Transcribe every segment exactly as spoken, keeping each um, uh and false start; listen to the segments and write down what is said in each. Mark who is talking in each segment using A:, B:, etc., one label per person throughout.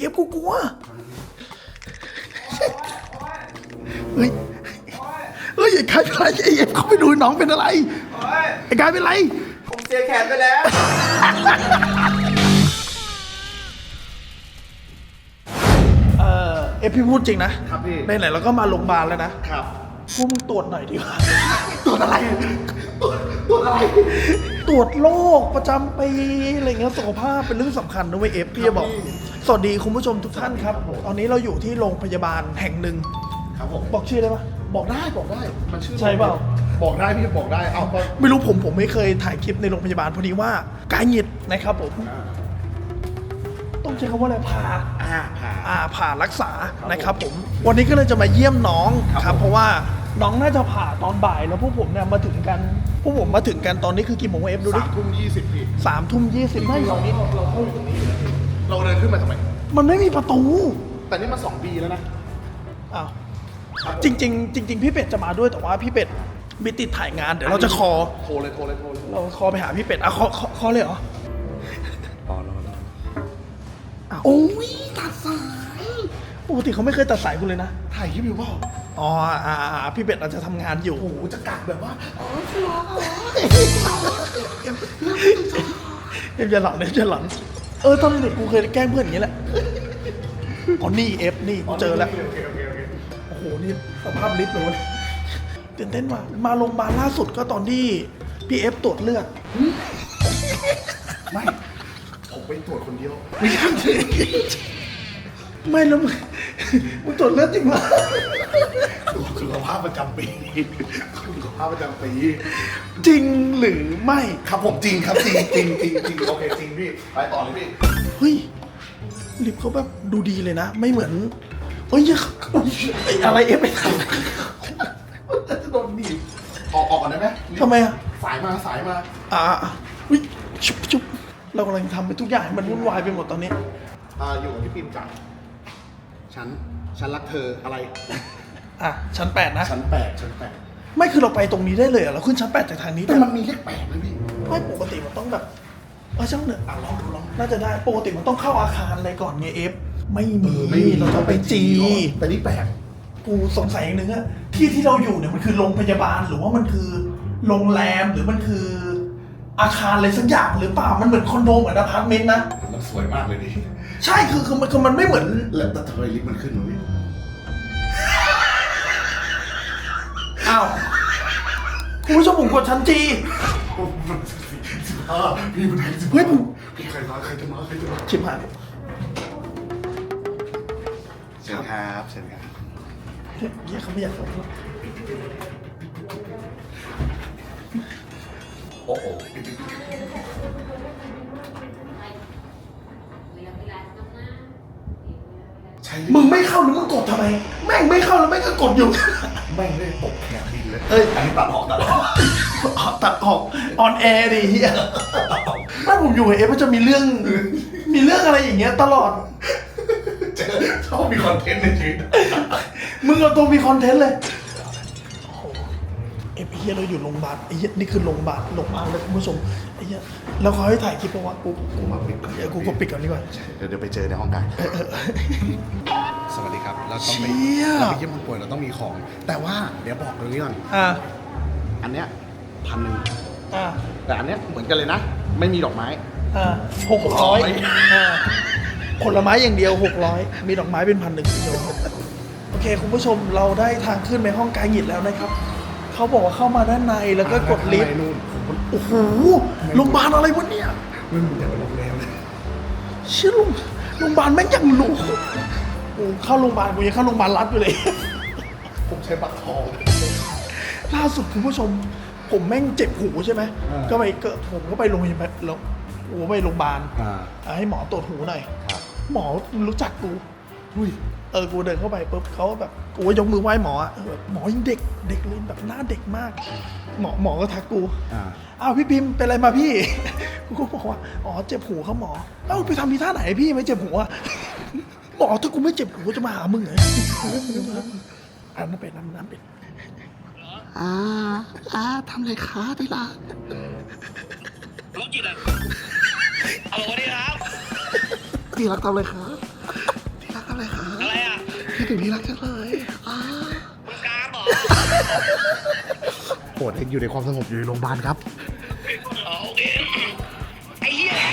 A: เอฟกูกลัวเฮ้ยเฮ้ยไอ้กายเป็นไรไอเอฟเขาไปดูน้องเป็นอะไรไอ้กายเป็นไร
B: ผมเสียแขนไปแล้ว
A: เออเอฟพี่พูดจริงนะครับ
B: พี่
A: ไหนๆเราก็มาโรงพยาบาลแล้วนะครับพวกมึงตรวจหน่อยดีกว่า
B: ตรวจอะไรตรวจอะไร
A: ตรวจโรคประจำปีอะไรเงี้ยสุขภาพเป็นเรื่องสำคัญนะเว้ยเอฟพี่จะบอกสวัสดีคุณผู้ชมทุกท่านครับตอนนี้เราอยู่ที่โรงพยาบาลแห่งหนึ่ง
B: ครับผม
A: บอกชื่อได้ปะ
B: บอกได้บอกได้มันชื่อ
A: ใช่เปล่า
B: บอกได้พี่บอกได้เอา
A: ไม่รู้ผมผมไม่เคยถ่ายคลิปในโรงพยาบาลพอดีว่ากายหงิดนะครับผมต้องใช้คำว่าอะไรผ่า
B: อ่าผ่า
A: อ่าผ่ารักษานะครับผมวันนี้ก็เลยจะมาเยี่ยมน้องครับเพราะว่าน้องน่าจะผ่าตอนบ่ายแล้วพวกผมเนี่ยมาถึงกันพวกผมมาถึงกันตอนนี้คือกี่โมงเอฟดูดิ
B: สามทุ่มยี่สิบพี่
A: สามทุ่มยี่สิบไม่ตอนนี้เราเข้าอยู่ตรงนี้
B: เราเดินขึ้นมาทำไม
A: มันไม่มีประตู
B: แต่นี่มาสองปีแล้วนะ
A: อ้าวจริงจริงจริงๆพี่เป็ดจะมาด้วยแต่ว่าพี่เป็ดมีติดถ่ายงานเดี๋ยวเราจะคอ
B: โทรเลยโทรเลยโทรเลย
A: เราคอไปหาพี่เป็ดอ่ะคอคอเลยเหรอ
B: รอรอรอ
A: โอ้ยตัดสายปกติเขาไม่เคยตัดสายกูเลยนะ
B: ถ่ายคลิปอยู่เปล่า
A: อ๋ออ่าพี่เป็ดอาจจะทำงานอยู่
B: โอ้โหจะกัดแบบว่าอ๋อชัวร์
A: เอฟจะหลังเอฟจะหลังเออตอนเด็กกูเคยแกล้งเพื่อนอย่างนี้แหละอ๋อนี่เอฟนี่กูเจอแล้วโอ้โหนี่สภาพลิฟต์เลยตื่นเต้นว่ะมาโรงพยาบาลล่าสุดก็ตอนที่พี่เอฟตรวจเลือด
B: ไม่ผมไปตรวจคนเดียว
A: ไม่ใช่ไม่แล้วมึงมึงตรวจเลือดจริงเหรอ
B: สุขภาพประจำปีสุขภาพประจำปี
A: จริงหรือไม่
B: ครับผมจริงครับจริงจริงจริงจริงโอเคจริงพี่ไปต่อเลยพี่
A: เฮ้ยลิฟต์เขาแบบดูดีเลยนะไม่เหมือนเฮ้ยอะไรเอฟไปทำ
B: จะโดนหนีบออกออกก่อนได้ไหม
A: ทำไมอ่ะ
B: สายมาสายมา
A: อ่าวิชุบชุบเรากำลังทำไปทุกอย่างมันวุ่นวายไปหมดตอนนี้
B: อ่าอยู่กับพี่ปิ่มจังฉันฉันรักเธออะไร
A: อ่ะชั้นแปดนะ
B: ชั้นแปดชั้นแปด
A: ไม่คือเราไปตรงนี้ได้เลยเราขึ้นชั้นแปดจากทางนี้
B: แต่มันมีเลขแปดนะพี่
A: ไม่ปกติมันต้องแบบเออช่างเนอะ
B: อ่ะลองดูลอง
A: น่าจะได้ปกติมันต้องเข้าอาคารอะไรก่อนไงเอฟไม่มีเราต้องไปจี
B: แต่นี่แปลก
A: กูสงสัยอย่างหนึ่งอะที่ที่เราอยู่เนี่ยมันคือโรงพยาบาลหรือว่ามันคือโรงแรมหรือมันคืออาคารอะไรสักอย่างหรือเปล่ามันเหมือนคอนโดเหมือนอพาร์ตเมนต์นะ
B: มันสวยมากเลยดิ
A: ใช่คือคือมันคือมันไม่เหมือน
B: แล้วแต่ทำไมลิฟต์มันขึ้นวะพี่
A: อ้าวคุณผู้ชมผมกดชั้นจี
B: พี่มัน
A: เฮ้ย
B: พี่ใครมาใครจะมาใครจะมา
A: ชิบหาย
B: เชิญครับเชิญครับ
A: เฮียเขาไม่อยากฟังหรอก
B: โอ้โห
A: มึงไม่เข้าหรือมึงกดทำไมแม่งไม่เข้าแล้วแม่งก็กดอยู่
B: แม่งได้ตกแขนดินเลยเอ้ยอันนี้ตัดออกตัดออก
A: ตัดออกออนแอร์ดิเฮียถ้าผมอยู่เอฟมันจะมีเรื่องมีเรื่องอะไรอย่างเงี้ยตลอด
B: ชอบมีคอนเทนต์ในชีวิต
A: มึงเอาตัวมีคอนเทนต์เลยเอฟเฮียเราอยู่โรงพยาบาลไอ้เฮียนี่คือโรงพยาบาลโรงพยาบาลเลยคุณผู้ชมไอ้เฮียแล้วเขาให้ถ่ายคลิปเพราะว่ากูกูมาปิดก่อนเดี๋ยวกูก็ปิดก่อนดีกว่า
B: เดี๋ยวเดี๋ยวไปเจอในห้องกันสวัสดีครับเราต้องไปเราไปเยี่ยมคนป่วยเราต้องมีของแต่ว่าเดี๋ยวบอกตรงนี้ก่อน
A: อ่า
B: อันเนี้ยพันหนึ่ง
A: อ่า
B: แต่อันเนี้ยเหมือนกันเลยนะไม่มีดอกไม้
A: อ่าหกร้อยอ่าผลไม้อย่างเดียวหกร้อยมีดอกไม้เป็นพันหนึ่งเดียวโอเคคุณผู้ชมเราได้ทางขึ้นไปห้องกายหยิดแล้วนะครับเขาบอกว่าเข้ามาด้านในแล้วก็กดลิฟต์โอ้โหโรงพยาบาลอะไรวะเนี่ย
B: ไม่เหมือนอย่างโรงแรมเลย
A: เชื่อลุงโรงพยาบาลแม่งยังหรูกูเข้าโรงพยาบาลกูยังเข้าโรงพยาบาลรัฐอยู่เลย
B: ผมใช้บัตรทอง
A: ล่าสุดคุณผู้ชมผมแม่งเจ็บหูใช่ไหมก็ไปก็ผมก็ไปโรงพยาบาลแล้วโอ้ไปโรงพยาบาลให้หมอตรวจหูหน่อยหมอรู้จักกูเออกูเดินเข้าไปปุ๊บเขาแบบกูยกมือไหว้หมอแบบหมอยังเด็กเด็กเลยแบบหน้าเด็กมากหมอหมอก็ทักกูอ้าวพี่พิมพ์เป็นอะไรมาพี่กูก็บอกว่าอ๋อเจ็บหูครับหมอเอ้าไปทำทีท่าไหนพี่ไม่เจ็บหูอ่ะหมอถ้ากูไม่เจ็บหูจะมาหามึงเหรออ่านน้ำเป็ดน้ำน้ำเป็ดอ่าอ่าทำอะไรคะที่รัก
C: โรคจิตอ่ะเอาวันนี้ครับ
A: ที่รักทำอะไรคะที่รักอะไรคะ
C: อะไรอ่ะ
A: คิดถึงที่รักจังเลยอ่า
C: มึงกลางเหรอ
B: โปรดเอกอยู่ในความสงบอยู่ในโรงพยาบาลครับ
C: อ๋อโอเคไอ้เหี้ย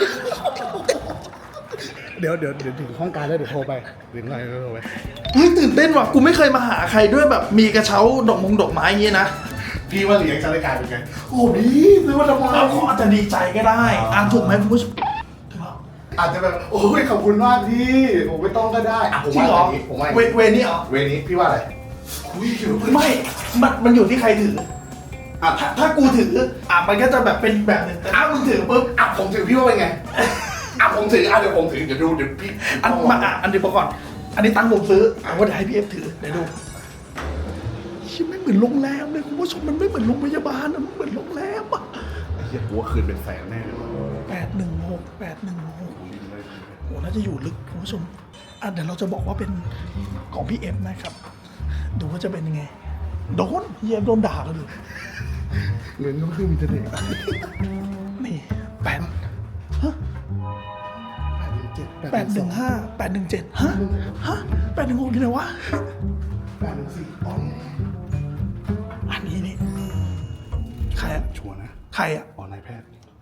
B: เดี๋ยวเดี๋ยวเดี๋ยวถึงห้องการแล้วเดี๋ยวโทรไปเดี๋ยวไงโทรไป
A: เฮ้ยตื่นเต้นว่ะกูไม่เคยมาหาใครด้วยแบบมีกระเช้าดอกมงดอกไม้อย่างงี้นะ
B: พี่ว่าเลี้ยงจะรายการเป็นไง
A: โอ้ดีซื้อมาทำไมเขาอาจจะดีใจก็ได้อ่านถูกไหมคุณผู้ชม
B: อาจจะแบบโอ้ยขอบคุณมากพี่ผมไม่ต้องก็ได้อ่ะผม
A: จริง
B: ว่า
A: เหรอ
B: อย่างนี้ผมว่าอย่าง
A: เว
B: นี้
A: เวนี่เหรอ
B: เวนี้พี่ว่าอะไรคุยอยู่
A: ไม่มันมันอยู่ที่ใครถือ
B: อ่ะ
A: ถ้าถ้ากูถืออ่ะมันก็จะแบบเป็นแบบหนึ่งแต่ถ้ามึงถือปุ๊บ
B: อ่ะผมถือพี่ว่าเป็นไงอ่ะผมถืออ่ะเดี๋ยวผมถือเดี๋ยวดูเดี๋ยวพี่
A: อันมาอ่ะอันเดียวก่อน อันนี้ตังค์ผมซื้อเอาว่าเดี๋ยวให้พี่เอฟถือเดี๋ยวดูชิไม่เหมือนโรงแรมเลยคุณผู้ชมมันไม่เหมือนโรงพยาบาลนะมันเหมือนโรงแรมอ่ะ
B: ไอ้เหี้ยกูว่าคืนเป็นแสนแน่เลยว่ะ
A: แปดหนึ่งหกแปดหนึ่งหกโหน่าจะอยู่ลึกคุณผู้ชมอ่ะเดี๋ยวเราจะบอกว่าเป็นของพี่เอฟนะครับ ดูว่าจะเป็นยังไงโดนพี่เอฟโดนด่ากันอยู่
B: เงินก็คือมีแต่เด็ก
A: นี่แปดฮะ
B: เจ็ด
A: แปดหนึ่งห้าแปดหนึ่งเจ็ดฮะฮะแปดหนึ่งหกที่ไหนวะ
B: แปดหนึ่งสี่อ๋อนี่
A: อันนี้นี่ใครอะ
B: ชัวร์นะ
A: ใครอะ
B: อ๋อนายแพทย์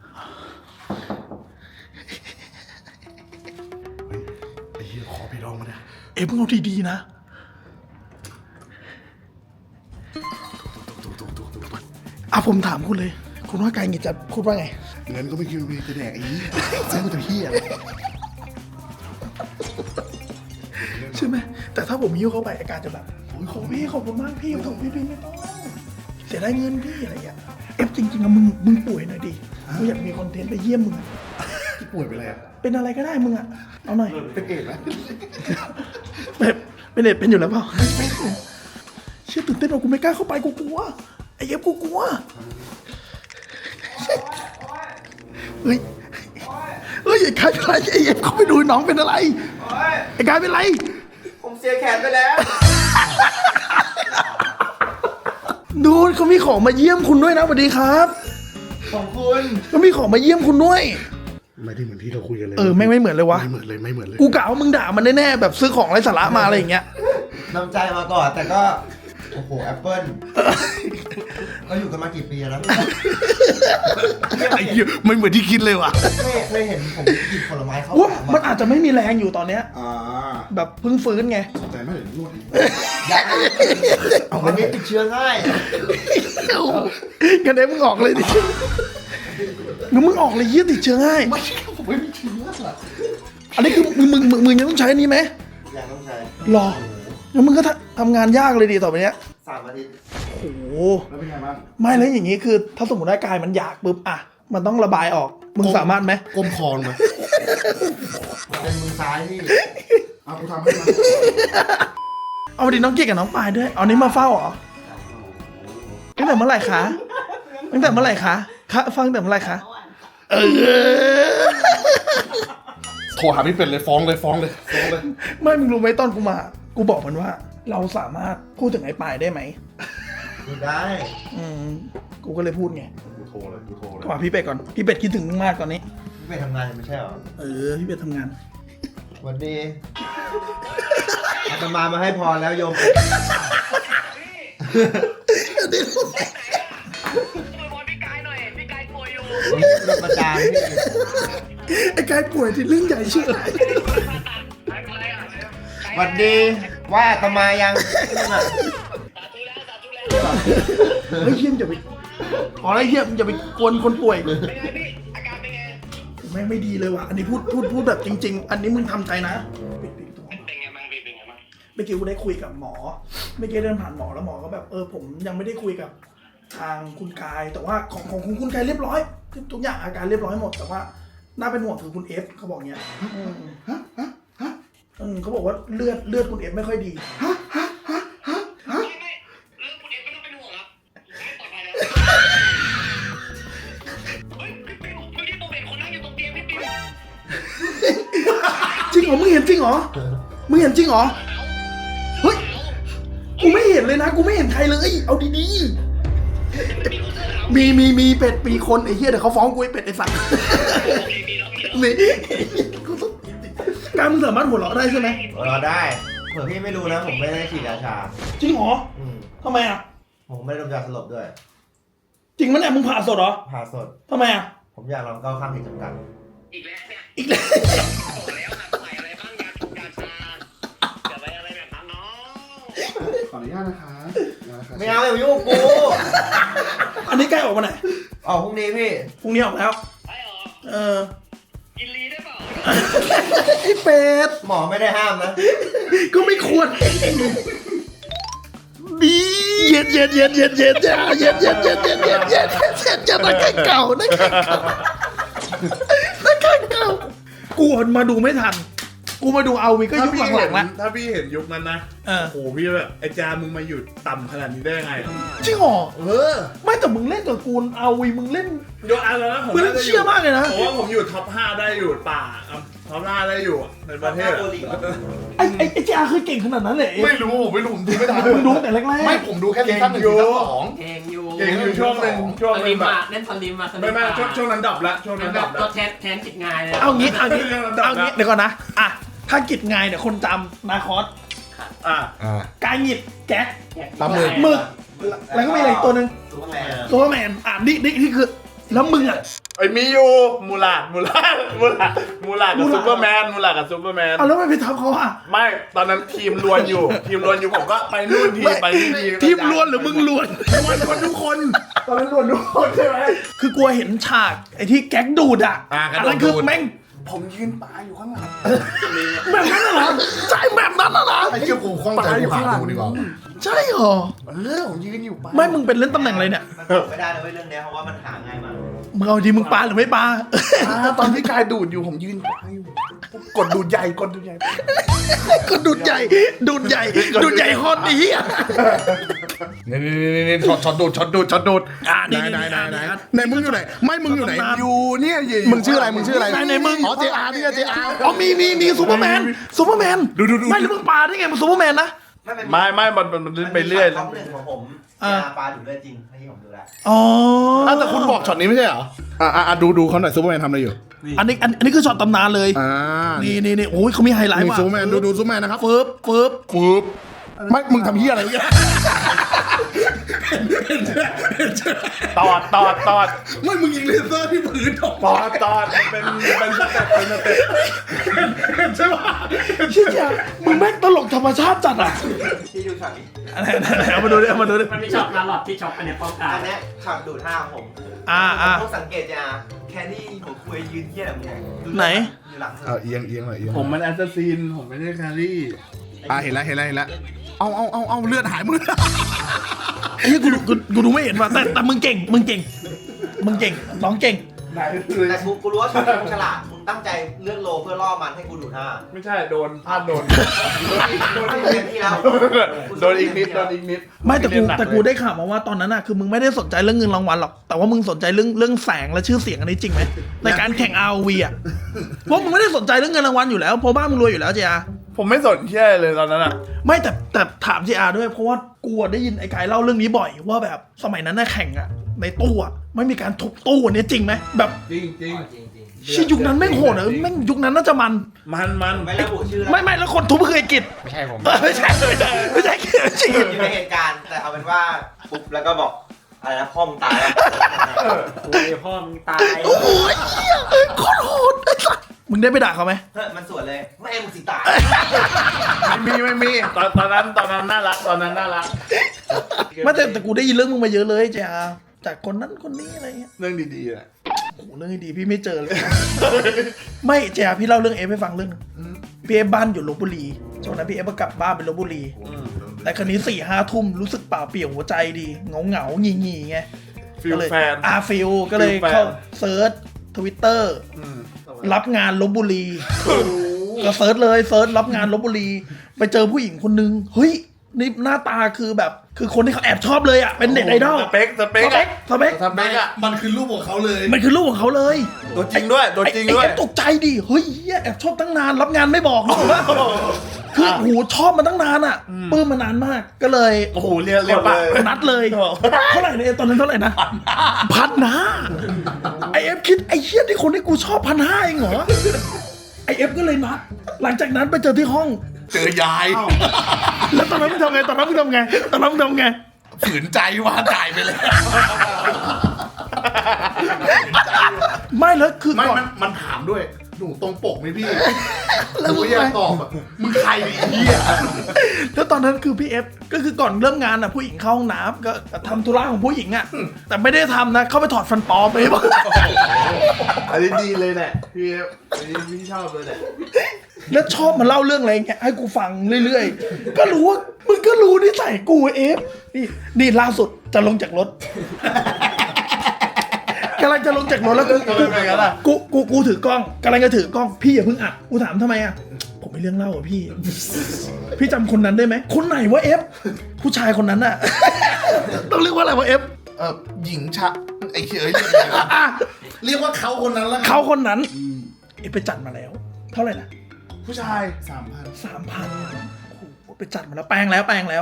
B: เฮ้ยไอ้เหี้ยขอพี่รองมาเนี่ย
A: เอฟมึงเอาดีๆนะ
B: ถูกถูกถูกถูกถูก
A: อ่ะผมถามคุณเลย คุณว่าไกายงิดจะพูดว่าไง
B: เงินก็ไม่คิดว่าจะแดกไอ้เหี้ยซื้อมาแต่เหี้ย
A: ใช่ไหมแต่ถ้าผมยิ้วเข้าไปอาการจะแบบโอ้ยขอบพี่ขอบคุณมากพี่ขอบพี่พี่ไม่ต้องเสียดายเงินพี่อะไรอย่างเงี้ยเอฟจริงๆอะมึงมึงป่วยหน่อยดิกูอยากมีคอนเทนต์ไปเยี่ยมมึงอะ
B: ที่ป่วยไปเลยอะ
A: เป็นอะไรก็ได้มึงอะเอาหน่อย
B: เป็นเอดไหม
A: แบบเป็นเด็ดเป็นอยู่แล้วเปล่าเชื่อตื่นเต้นว่ากูไม่กล้าเข้าไปกูกลัวไอ้เอฟกูกลัวเฮ้ยเฮ้ยไอ้กายเป็นไรไอ้เอฟเขาไปดูน้องเป็นอะไรไอ้กายเป็นไร
C: ผมเสียแขนไปแล้ว
A: ดูเขามีของมาเยี่ยมคุณด้วยนะสวัสดีครับ
C: ของคุณ
A: เขามีของมาเยี่ยมคุณด้วย
B: ไม่ได้เหมือนที่เราคุยกันเลย
A: เออไม่งไม่เหมือนเลยวะ
B: ไม่เหมือนเลยไม่เหมือนเลย
A: กูกะว่ามึงด่ามันแน่ๆแบบซื้อของไร้สาระมาอะไรอย่างเงี้ย
D: น้ำใจมาก่อน แต่ก็ โอ้โหแอปเปิ้ลก็อยู่กันมากี่ปีแล้ว
B: ไอ้เหี้ยไม่เหมือนที่คิดเลยว่ะ
D: ไม่เคยเห็นผมหยิบผลไม้เข้า
A: ว่า
D: ปาก
A: มันอาจจะไม่มีแรงอยู่ตอนเนี้ย
B: อ่า
A: แบบเพิ่งฟื้นไง
B: ใจไม่เห็นนวดอีก
D: ยักเอาวันนี้ติดเชื้อง่าย
A: กันเด้มึงออกเลยดิงั้นมึงออกเลยเยี่ยติดเชื้อง่าย
B: ไม่ใช่ผมไม่มีเชื้ออะ
A: อันนี้คือมึงมึงมึงมึงยังต้องใช้อันนี้ไหม
D: อย่างต้องใช้
A: รองั้นมึงก็ทำทำงานยากเลยดิต่อไปเนี้ย
D: สามอาทิตย์
A: โอ้โห
B: แล้วเป็นไงบ้าง
A: ไม่แล้วอย่างงี้คือ ถ้าสมมติว่ากายมันอยากปุ๊บอะมันต้องระบายออก มึงสามารถไหม
B: ก้มคอลงมา
D: เป็นมือซ้ายที่
B: เอากูทำให้มา
A: เอาดิน้องเกียรกับน้องปายด้วยเอานี้มาเฝ้าเหรอตั้งแต่เมื่อไหร่คะตั้งแต่เมื่อไหร่คะคะฟังตั้งแต่เมื่อไหร่คะเออ
B: โทรหาพี่เป็ดเลยฟ้องเลยฟ้องเลยฟ้องเลย
A: ไม่มึงรู้ไหมตอนกูมา กูบอกมันว่า เราสามารถพูดถึงไอ้ปายได้ไหม
D: ดูได้
A: อืมกูก็เลยพูดไง
B: กูโทรเลยกูโทรเลย
A: ก็มาพี่เป็ดก่อนพี่เป็ดคิดถึงมึงมากตอนนี้
D: ไม่ไปทำงานไม่ใช่เหรอ
A: เออพี่เป็ดทำงาน
D: สวันดีอาตมามาให้พรแล้วโยม
C: ไปบอลพี่กายหน่อย พี่กายป่วยอยู่
D: ผมโดนประจานพี่
A: ไอ้กายป่วยที่เรื่องใหญ่เชื่ออะไร
C: อะไรอ่ะ
D: สวันดีว่าอาตมายังนั่นน่ะ
C: สาธุแล้วสาธุแล้ว
A: เฮ้ยเฮียมอย่าไปขออะไรเฮียมอย่าไปกวนคนป่วย
C: เป็นไงพี่ อาการเป็นไง
A: แม่งไม่ดีเลยว่ะอันนี้พูดพูดพูดแบบจริง ๆ อันนี้มึงทำใจนะปิดปิดตัว
C: เป็นไงบ้างพี่เป็นไงบ้าง
A: เมื่อกี้กูได้คุยกับหมอเมื่อกี้เดินผ่านหมอแล้วหมอก็แบบเออผมยังไม่ได้คุยกับทางคุณกาย แต่ว่าของของคุณกายเรียบร้อยทุกอย่างอาการเรียบร้อยหมดแต่ว่าน่าเป็นห่วงคือคุณเอฟเขาบอกเงี้ยอืมอืมเขาบอกว่าเลือดเลือดคุณเอฟไม่ค่อยดี
C: ไม่ไม่เรื่องคุณเอ็มไม่ต้องเป็นห่วงครับไม่ปลอดภัยแล้วเฮ้ยพี่ปิวเมื่อกี้ผมเห็นคนนั่งอยู่ตรงเตียงพี่ปิว
A: จริงเหรอมึงเห็นจริงเหรอมึงเห็นจริงเหรอเฮ้ยกูไม่เห็นเลยนะกูไม่เห็นใครเลยเอาดีๆมีมีมีเป็ดปีคนไอ้เหี้ยเดี๋ยวเขาฟ้องกูไอ้เป็ดไอ้สัตว์
C: โอเคมีแล้วมีแล้ว
A: นี่กูต้องการมึงสามารถหัวเราะได้ใช่ไหม
D: รอได้เผื่อพี่ไม่รู้นะผมไม่ได้ฉีดยาชา
A: จริงเหรอ
D: อืม
A: ทำไมอ่ะ
D: ผมไม่ได้ดมยาสลบด้วย
A: จริงมั้ยเนี่ยมึงผ่าสดเหรอ
D: ผ่าสด
A: ทำไมอ่ะ
D: ผมอยากลองก้าวข้ามขีดจำกัด
C: อีกแล้วเนี่ย
A: อีกแล้ว
C: บอกแล้วนะใส่อะไรบ้างยาถูกยาชาอย่าไปอะไรแบบนั้นน้อง
B: ขออนุญาตนะคะนะคะ
D: ไม่เอาอย่ามายุ่งกับกู
A: อันนี้ใกล้ออกมาไหน
D: ออกพรุ่งนี้พี่
A: พรุ่งนี้ออกแล้ว
C: ไอ้หรอ
A: เออ
C: กินลีได้เปล่า
A: ไอ้เป็ด
D: หมอไม่ได้ห้ามนะ
A: ก็ไม่ควรดีเย็นเย็นเย็นเย็นเย็นเย็นเย็นเย็นเย็นเย็นเย็นเย็นเย็นเย็นเย็นนักแข่งเก่านักแข่งเก่านักแข่งเก่ากูมาดูไม่ทัน กูมาดูเอาวีก็ยุคหลังๆแล้ว
E: ถ้าพี่เห็นยุคนั้นนะ
A: เออ
E: โอ้โหพี่แบบไอ้จามึงมาหยุดต่ำขนาดนี้ได้ยังไง
A: จริงเหรอ
E: เออ
A: ไม่แต่มึงเล่นกับกูเอาวีมึงเล่น
E: ยกอันแล้วนะผม
A: มึงเล่น
E: น่าจะ
A: เชี่ยมากเลยนะ
E: ผมว่าผมอยู่ท็อปห้าได้อยู่ป่าอ่ะท็อปห้าได้อยู่ในประเทศ
D: ท็อปห้าโปรลีกเหรอ
A: ไอ้ไอ้ไอ้เจ้าคือเก่งขนาดนั้นเลย
B: ไม่รู้ผมไม่รู้ผมดูไม่ทัน
A: มึงดูแต่แรกๆ
B: ไม่ผมดูแค่ซีซั่นหนึ่งซีซั่นสอง
F: เก่งอยู่
E: เก่งอยู่ช่วงหนึ่งช่วง
F: ส
E: ห
F: ลิ
E: นึ่ง
F: ม
E: แบบ
F: อะเล่นสลิมอะสลิ
E: ไม่
F: ม
E: ไม่ช่วงช่วงนั้นดับละช่วงนั้นดับ
F: ก็
E: ละ
F: แทนแทนกิจงายเลย
A: เอางี้เอางี้
E: เรื่องลำดับ
A: เอางี้
E: นะ
A: เดี๋ยวก่อนนะอ่ะถ้ากิจไงเนี่ยคนจำนาคอส
E: อ่ะ
B: อ่า
A: กายหงิดแก๊ก
B: ปลาหมึก
A: หมึกแล้วก็มีอะไรอีกตัวหนึ่ง
D: ซูเปอร์แมน
A: ซูเปอร์แมนอ่ะนี่นี่นี่คือแล้วมึงอ่ะ
E: ไอ้มีอยู่มูลาดมูลาดมูลาดมูลาดกับ
A: มูลาด
E: ซูเปอร์แมนมูลาดกับซูเปอร์แมน
A: เอาแล้วไม่ไปทับเขาอ่ะ
E: ไม่ตอนนั้นทีมลวนอยู่ ทีมลวนอยู่ผมก็ไปนู่นทีไปนี่ที
A: ทีมล้วนหรือมึงล้วน
E: ลวนคนทุกคนตอนนั้นลวนทุกคนใช่ไหม
A: คือกลัวเห็นฉากไอ้ที่แก๊กดูดอ่ะ
B: อ่ากระโดด
A: นั้นคือ
B: ดูด
A: แม่ง
E: ผมยืนปลาอยู่ข้างหลัง
A: แบบนั้นน่ะเหรอใช่แบบนั้นน่ะเหรอ
B: ไอ้เจ้ากูคล้องใจกูหาดูดีกว่า
A: ใช่เหรอ
E: เออผมยืนอยู่ปลา
A: ไม่มึงเป็นเล่นตำแหน่งอะไรเนี่ย
D: มันบอกไม่ได้นะเว้ยเรื่องเนี้ยเพราะว่ามันหาง่ายมาก
A: มึงเอาดีมึงปลาหรือไม่ปลา
E: อ่าตอนที่กายดูดอยู่ผมยืนปลาอยู่กดดูดใหญ่กดดูดใหญ่
A: ก็ดูดใหญ่ดูดใหญ่ดูดใหญ่ฮอตนี้อ่ะ
B: นี่นี่นี่นี่ช็อตช็อตดูดช็อตดูดช็อตดูด
A: อ่ะนี่
B: ไหนไหนไหน
A: นี่
B: ไหน
A: นี่
B: ไหนมึงอยู่ไหนไม่มึงอยู่ไหน
A: ตำนาน
B: อยู่เนี่ยมึงชื่ออะไรมึงชื่ออะไร
A: ไหนไหนมึง
B: อ๋อเจอาร์นี่เจอาร์
A: อ๋อมีมีมีซูเปอร์แมนซูเปอร์แมน
B: ดูดูดู
A: ไม่แล้วมึงปลาได้ไงมันซูเปอร์แมนนะ
D: ไม่เป็น
E: ไม่ไม่มันมันมันไปเรื่อย
D: ท็อปหนึ่งของผม
A: อ่า
D: ยาปลาดูดเลือดจริงที่ผมดูแล
A: อ๋อ
B: อ้าวแต่คุณบอกช็อตนี้ไม่ใช่เหรออ่าอ่าดูดูเขาหน่อยซูเปอร์แมนทำอะไรอยู่
A: อันนี้อันอันนี้คือช็อตตำนานเลย
B: อ่า
A: นี่นี่นี่โอ้ยเขามีไฮไลท์
B: นี่
A: ว่ะ
B: ซูเปอร์แมนดูดูซูเปอร์แมนนะครับ
A: เฟิร์บเฟิร์บ
B: ฟืบไม่มึงทำเหี้ยอะไรเมื่อกี้
E: ตอดตอดตอด
B: ไม่มึงยิงเลเซอร์ที่พื้นออก
E: ตอดตอดเป็นเป็นสเต็ปเป็นสเต็ป
B: ใช่ปะ
A: เชี่ยมึงแม่งตลกธรรมชาติจัดอ่ะ
D: ที่ดูช็อตนี้
A: อะไรๆเอามาดูดิเอามาดูดิ
F: มันมีช็อตมาหลอดที่ช็อตอันเนี้ยป้องกัน
D: อันเนี้ยช็อตดูดห้าของผม
A: อ่าอ่า
D: ผมต้องสังเกตยาแค่ที่หัวคุยยืนเที่ยแบบเนี้ยดู
A: ไหน
D: อยู่หลังเธ
B: เอา
D: อ
B: เอียงเอียงหน่อยเอียง
E: ผมมันแอสซัสซินผมไม่ได้แครี่
B: อ่าเห็นแล้วเห็นแล้วเห็นแล้วเอาเอาเอาเอาเลือดหายมึง
A: ไอ้เหี้ยกูดูกูกูดูไม่เห็นว่ะแต่แต่มึงเก่งมึงเก่งมึงเก่งน้องเก่ง
E: ไหน
D: แต่กูกูรู้ว่าช็อตนี้มึงฉลาดมึงตั้งใจเลือกโลเพื่อล่อมันให้กูดูดห้า
E: ไม่ใช่โดนพลาดโดน
D: โดนเต็มที่แล้ว
E: โดนอีกนิดโดนอีกนิด
A: ไม่แต่กูแต่กูได้ข่าวมาว่าตอนนั้นอ่ะคือมึงไม่ได้สนใจเรื่องเงินรางวัลหรอกแต่ว่ามึงสนใจเรื่องเรื่องแสงและชื่อเสียงอันนี้จริงไหมในการแข่ง อาร์ โอ วี อ่ะเพราะมึงไม่ได้สนใจเรื่องเงินรางวัลอยู่แล้วเพราะบ้านมึงรวยอยู่แล้วเจีย
E: ผมไม่สนเชื่อเลยตอนนั้นอ่ะ
A: ไม่แต่แต่ถามเจียด้วยเพราะว่ากูอะได้ยินไอ้กายเล่าเรื่องนี้บ่อยว่าแบบสมัยนั้นน่ะแข่งอ่ะในตู้อ่ะไม่มีการทุบตู้อันนี้จริงไหมแบบ
E: จริงจริง
D: จริงจริง
A: ชื่อยุคนั้นแม่งโหดเหรอแม่งยุคนั้นน่าจะมัน
E: มันมัน
D: ไม่ระบุชื่อแล้ว
A: ไม่ไม่แล้วคนทุบคือไอ้กิจ
B: ไม่ใช่ผม
A: เออไม่ใช่ไม่ใช่ไม่ใช่กิจไม่ใช่กิจ
D: อยู่ในเหตุการณ์แต่เอาเป็นว่าปุ๊บแล้วก็บอกอะไรนะพ่อมึงตายแล้ว
F: โอ้ยพ่อมึงตาย
A: โอ้โหไอ้เหี้ยโคตรโหดไอ้สัสมึงได้ไปด่าเขาไหม
D: เฮ้ยมันสวนเลยแม่มึงสิตาย
E: ไม่มีไม่มีตอนตอนนั้นตอนนั้นน่ารักตอนนั้นน่ารัก
A: ไม่แต่แต่กูได้ยินเรื่องมึงมาเยอะเลยเจ้าจากคนนั้นคนนี้อะไรเงี้ย
E: เรื่องดีๆอ่ะ
A: โอ้โหเรื่องดีๆพี่ไม่เจอเลย ไม่เจ้าพี่เล่าเรื่องเอฟให้ฟังเรื่องนึงพี่เอฟบ้านอยู่ลพบุรีช่วงนั้นพี่เอฟก็กลับบ้านไปลพบุรี แต่คราวนี้สี่ห้าทุ่มรู้สึกเปล่าเปลี่ยวหัวใจดีเงาเงาๆงี่งี่ๆไง
E: ฟิล
A: ก็เลย
E: แฟน
A: อาฟิลก็เลย
E: ฟิลแฟน
A: เข้าเซิร์ชทวิตเตอร์
E: อืม
A: รับงานลบบุรีก็เซิร์ชเลยเซิร์ชรับงานลบบุรี ไปเจอผู้หญิงคนนึงเฮ้ยนี่หน้าตาคือแบบคือคนที่เขาแอบชอบเลยอ่ะเป็นเน็ตไอดอล
E: สเปคสเป
A: ส
E: ค
A: เป
E: อะ
A: คสเปค
E: สเปคอะ
B: มันคือรูปของเขาเลย
A: มันคือรูปของเขาเลย
E: ตัวจริงด้วยตัวจริงด้วย
A: ไอ้ไอ้ตกใจดิเฮ้ยเหี้ยแอบชอบตั้งนานรับงานไม่บอกหรอกว่าคือโหชอบมาตั้งนานอ่ะปลื้มมานานมากก็เลย
E: โอ้โหเรียนเรียนปะ
A: นัดเลยเท่าไหร่เนี่ยตอนนั้นเท่าไหร่นะพันห้าไอเอฟคิดไอเชี่ยที่คนที่กูชอบพันห้าเองเหรอไอเอฟก็เลยนัดหลังจากนั้นไปเจอที่ห้อง
E: เจอยาย
A: แล้วตอนนั้นมึงทำไงตอนนั้นมึงทำไงตอนนั้นมึงทำไง
E: ฝืนใจว่าจ่ายไปเลย
A: ไม่แล้วคือ
E: ไม่
A: ก่อน
E: มันมันถามด้วย หนูตรงปกไหมพี่
A: แล้ว
E: หนู
A: มึง
E: อยา
A: ไป
E: กตอบอะมึงใครไอ้เหี้ย
A: แล้วตอนนั้นคือพี่เอฟก็คือก่อนเริ่มงานอ่ะผู้หญิงเข้าห้องน้ำก็ทำธุระของผู้หญิงอ่ะแต่ไม่ได้ทำนะเข้าไปถอดฟันปลอมไปบ้าง
G: อันนี้ดีเลยแหละพี่อันนี้พี่ชอบเลยแหละ
A: แล้วชอบมาเล่าเรื่องอะไรอย่างเงี้ยให้กูฟังเรื่อยๆก็รู้ว่ามึงก็รู้นิสัยกูเอฟนี่นี่ล่าสุดจะลงจากรถกำลังจะลงจากรถแล้วกูกูกูกูถือกล้องกำลังจะถือกล้องพี่อย่าเพิ่งอัดกูถามทำไมอ่ะผมมีเรื่องเล่าอ่ะพี่ พี่จำคนนั้นได้ไหมคนไหนวะเอฟผู้ชายคนนั้นอ่ะ ต้องเรียกว่าอะไรวะเอฟ
E: เออหญิงชะไอ้เฉยเรียกว่าเขาคนนั้นแล้วกัน
A: เขาคนนั้นเอฟไปจัดมาแล้ว เท่าไหร่นะ
E: ผู้ชายสามพัน
A: สามพันโอ้โหไปจัดมาแล้วแปลงแล้วแปลงแล้ว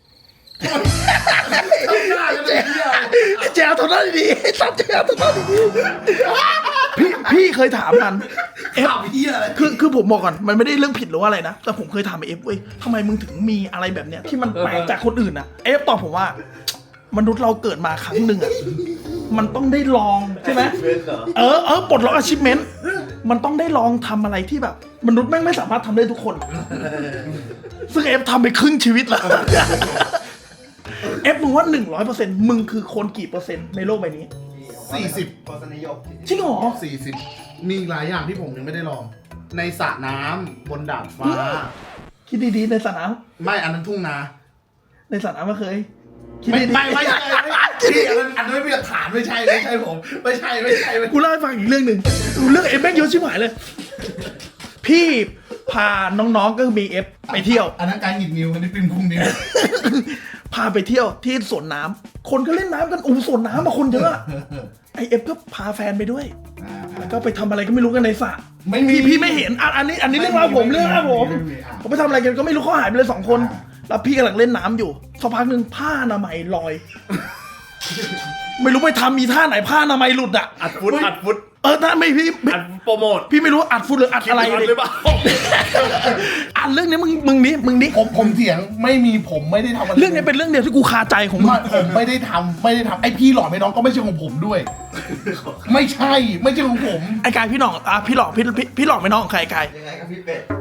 A: แจวตัวนั้นดีๆสับแจวตัวนั้นดีๆพี่พี่เคยถามมันเอฟ
E: ข่าวเหี้ยอะไร
A: คือคือผมบอกก่อนมันไม่ได้เรื่องผิดหรือว่าอะไรนะแต่ผมเคยถามเอฟเว้ยทำไมมึงถึงมีอะไรแบบเนี้ยที่มันแปลกจากคนอื่นอ่ะเอฟตอบผมว่ามนุษย์เราเกิดมาครั้งหนึ่งอ่ะมันต้องได้ลองใช่ไหม
G: เป็นเหรอ
A: เออเออปลดล็อก achievement มันต้องได้ลองทำอะไรที่แบบ มนุษย์แม่งไม่สามารถทำได้ทุกคน ซึ่งเอฟทำไปครึ่งชีวิตแล้วเอฟมึงว่าหนึ่งร้อยเปอร์เซ็นต์มึงคือคนกี่เปอร์เซ็นต์ในโลกใบนี้
E: สี่สิบ
D: รสนิยม
A: จริงเหรอ
E: สี่สิบมีหลายอย่างที่ผมยังไม่ได้ลอง ในสระน้ำบนดาดฟ้า
A: คิดดีๆในสระน้
E: ไม่อันนั้นทุ่งนา
A: ำในสระน้ำก็เคยคิด
E: ไม่
A: ดีๆ
E: ไม่ไม่ใช่พี่อันนั้นอันนั้นไม่มีหลักฐานไม่ใช่ไม่ใช่ผม ไม่ใช่ไม่ใช่ไม่
A: กูเล่าให้ฟังอีกเรื่องหนึ่งเรื่องเอฟแม่งเยอะชิบหายเลย พี่พาน้องๆก็มีเอฟไปเที่ยว
E: อันนั้นการหยิบนิ้วอันนี้เป็นพุงนิ้ว
A: พาไปเที่ยวที่สวนน้ำคนก็เล่นน้ำกันอู้สวนน้ำมาคนเยอะไอเอฟก็พาแฟนไปด้วย แล้วก็ไปทำอะไรก็ไม่รู้กันในสระ
E: ไม่มี
A: พี่พี่ไม่เห็นอ่ะอันนี้อันนี้เรื่องราวผมเรื่องราวผม
E: ไม่มีอ่ะ
A: ผมไปทำอะไรกันก็ไม่รู้เขาหายไปเลยสองคน
E: อ่า
A: แล้วพี่กำลังเล่นน้ำอยู่สักพักหนึ่งผ้าอนามัยลอย ไม่รู้ไปทำมีท่าไหนผ้าอนามัยหลุดอ่ะ
G: อัดฟุตอัดฟุต
A: เออถ้าไม่พี่ไม่
G: อัดโปรโมท
A: พี่ไม่รู้อัดฟุตหรืออัดอะไร
G: คลิป
A: เลย
G: หรือเปล่า
A: อันเรื่องนี้มึงมึงนี้มึงนี้
E: ผมผมเถียงไม่มีผมไม่ได้ทำอะไร
A: เรื่องนี้เป็นเรื่องเดียวที่กูคาใจของมึง
E: ไม่ผมไม่ได้ทำไม่ได้ทำไอพี่หล่อไม่น้องก็ไม่ใช่ของผมด้วย ไม่ใช่ไม่ใช่ของผม
A: ไอ้กายพี่หน่องอ่ะพี่หลอกพี่พี่พี่หลอกไม่น้องของใครไอ้กาย
D: ยังไงก็พี่เป็ด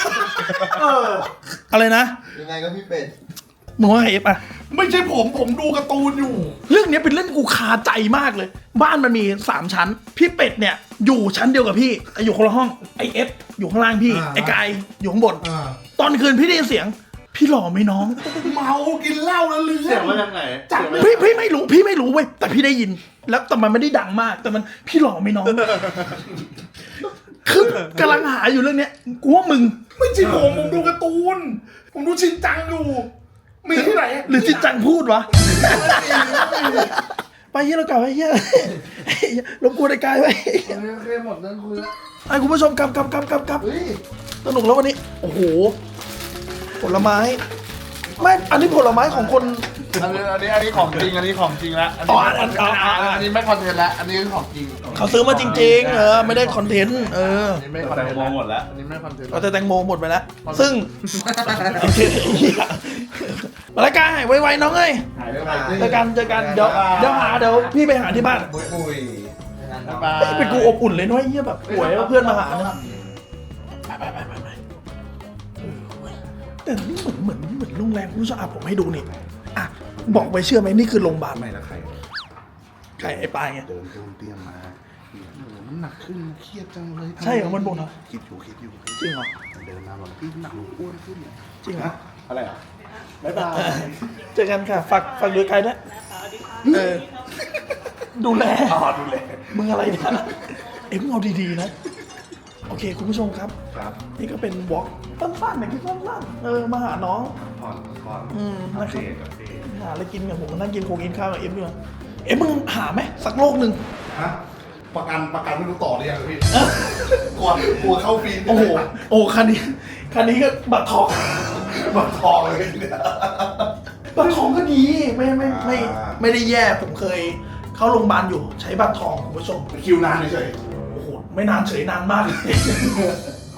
A: อะไรนะ
D: ยังไงก็พี่เป็ด
A: มึงว่าไงเอฟอ่ะ
E: ไม่ใช่ผมผมดูการ์ตูนอยู่
A: เรื่องนี้เป็นเรื่องกูคาใจมากเลย บ้านมันมีสามชั้น พี่เป็ดเนี่ยอยู่ชั้นเดียวกับพี่แต่อยู่คนละห้องไอเอฟอยู่ข้างล่างพี่
E: อ่า
A: ไอกายอยู่ข้างบน
E: อ่า
A: ตอนคืนพี่ได้ยินเสียง พี่หล่อไหมน้อง
E: เมากินเหล้าแล้วลืม
G: เสียงมาจากไหน
E: จับ
A: พี่พี่ไม่รู้พี่ไม่รู้เว้ยแต่พี่ได้ยิน แล้วแต่มันไม่ได้ดังมาก แต่มันพี่หล่อไหมน้อง คือกำลังหาอยู่เรื่องเนี้ยกูว่ามึง
E: ไม่ใช่ผมผมดูการ์ตูน ผมดูชินจังอยู่มีที่ไหน
A: หรือจิตจังพูดวะ ไปเฮียเรากลับไปเฮียรบกวนไอ้กายไป
E: โอเคหมดเรื่องคุยแล้ว
A: ไอ้คุณผู้ชมกลับกลับกลับกลับกลับ
E: เฮ้ย
A: สนุกแล้ววันนี้ โอ้โห ผลไม้ไม่อันนี้ผลไม้ของคน
G: อันนี้อันนี้อันนี้ของจริงอันนี้ของจริงแล้วอัน
A: อ๋
G: นี้
A: ออันอันอ๋ออ๋ออ๋อ
G: อันนี้ไม่คอนเทนต์แล้วอันนี้คือของจริง
A: เขาซื้อมาจริงๆ เออ ไม่ได้คอนเทนต์ เออ
G: อันนี้ไม่คอนเทนต์แล้วหมดแล้วอันนี้ไม่คอนเทนต์
A: เอาแต่แตงโมหมดไปแล้ว ซึ่งโอเคเหี้ยมาแล้วกันไวๆน้องเอ้ย
G: หายไปไหน
A: เจอกันเจอกันเดี๋ยวเดี๋ยวหาเดี๋ยวพี่ไปหาที่บ้าน
D: บุยบุย
A: เฮ้ยเป็นกูอบอุ่นเลยน้อยเยี่ยแบบป่วยแล้วเพื่อนมาหาเนี่ยไปไปไปไปไปเออเว้ยแต่นี่เหมือนเหมือนเหมือนโรงแรมคุณผู้ชมอ่ะผมให้ดูนี่อ่ะบอกไปเชื่อไหมนี่คือโรงพยาบาล
E: ไม่ละใคร
A: ไก่ไอ้ปลายไง
E: เดินเดินเตรียมมาโอ้โหน้ำหนักขึ้นเครียดจังเลยทำไ
A: ใช่เหรอมันบ่นเหรอ
E: คิดอยู่คิดอยู่
A: จริงเหรอ
E: เดินมาบอกพี่น้ำหนักหนูอ้วนขึ้นเนี่ย
A: จริงเหรอ
E: อะไรอ่ะบ๊ายบาย
A: เจอกันค่ะฝากฝากดูไกลด้วยเออดูแล
E: อ๋อดูแล
A: มึงอะไรเนี่ยเอ็มงเอาดีๆนะโอเคคุณผู้ชมครับ
E: ครับ
A: นี่ก็เป็นวอล์กสั้นๆอย่างที่สั้นๆเออมาหาน้อง
E: ผ่อนผ่อน
A: อืม
E: อั
A: นะ
E: ป
A: ครั
E: เด
A: บ
E: ตอัปเดต
A: หาอะไรกินกับผมมานั่งกินโคงกินข้าวกับเอ็มด้วยเอ็มมึงหาไหมสักโลกหนึ่ง
E: ฮะประกันประกันไม่รู้ต่อหรือยังพี่กลัวกลัวเข้าฟรี
A: โอ้โหโอ้คันนี้คันนี้ก็บัตรทอง
E: บัตรทองเลยเนี่ย
A: บัตรทองก็ดีไม่ไม่ไม่
E: อ่า
A: ไม่ได้แย่ผมเคยเข้าโรงพยาบาลอยู่ใช้บัตรทองคุณผู้ชม
E: คิวนานเฉย
A: โอ้โหไม่นานเฉยนานมากเลย
E: ๆ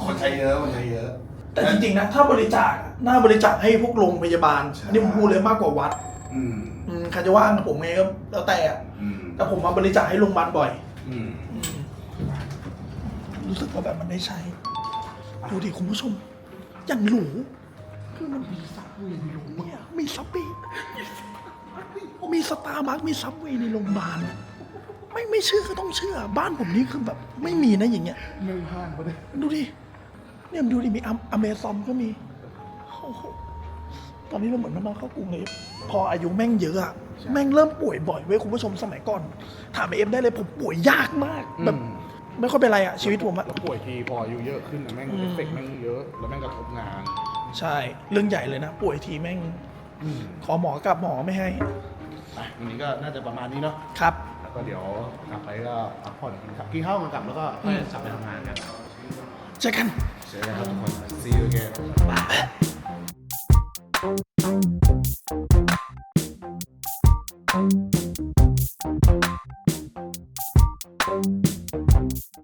E: คนใช้เยอะคนใช้เยอะ
A: แต่จริงๆนะถ้าบริจาคอะน่าบริจาคให้พวกโรงพยาบาลอันนี้ผมพูดเลยมากกว่าวัด
E: อืม
A: อืมใครจะว่างกับผมไงก็แล้วแต่อะ
E: อืม
A: แต่ผมมาบริจาคให้โรงพยาบาลบ่อย
E: อืม
A: อืมรู้สึกว่าแบบมันได้ใช้ดูดิคุณผู้ชมอย่างหรูคือมันมีซับเวย์ในโรงพยาบาลเนี่ยมีซับเวย์มีสตาร์บัคมีซับเวย์ในโรงพยาบาลไม่ไม่เชื่อก็ต้องเชื่อ บ้านผมนี่คือแบบไม่มีนะอย่างเงี้ย
E: ไม่พลาดเขาเลย
A: ดูดิ เนี่ยดูดิ มีอเมซอนก็มีโอ้โหตอนนี้เราเหมือนมันนอนเข้ากรุงเลย พออายุแม่งเยอะอะแม่งเริ่มป่วยบ่อยเว้ยคุณผู้ชมสมัยก่อน ถามไอเอ็มได้เลยผมป่วยยากมาก แบบไม่ค่อยเป็นไรอะชีวิตผมอะ
B: แล้วป่วยทีพออายุเยอะขึ้นนะแม่ง
A: อืม
B: เอฟเฟกต์แม่งเยอะ แล้วแม่งกระทบงาน
A: ใช่ เรื่องใหญ่เลยนะ ป่วยทีแม่ง ขอหมอกลับหมอไม่ให้
B: อ่ะวันนี้ก็น่าจะประมาณนี้เนาะ
A: ครับ
B: แล้วก็เดี๋ยวกลับไปก็พักผ่อนกันครับกินข้าวกันกลับแล้วก็ค่อยกลับไปทำงานกัน
A: เจอกัน
B: เจอกันครับทุกคน see you again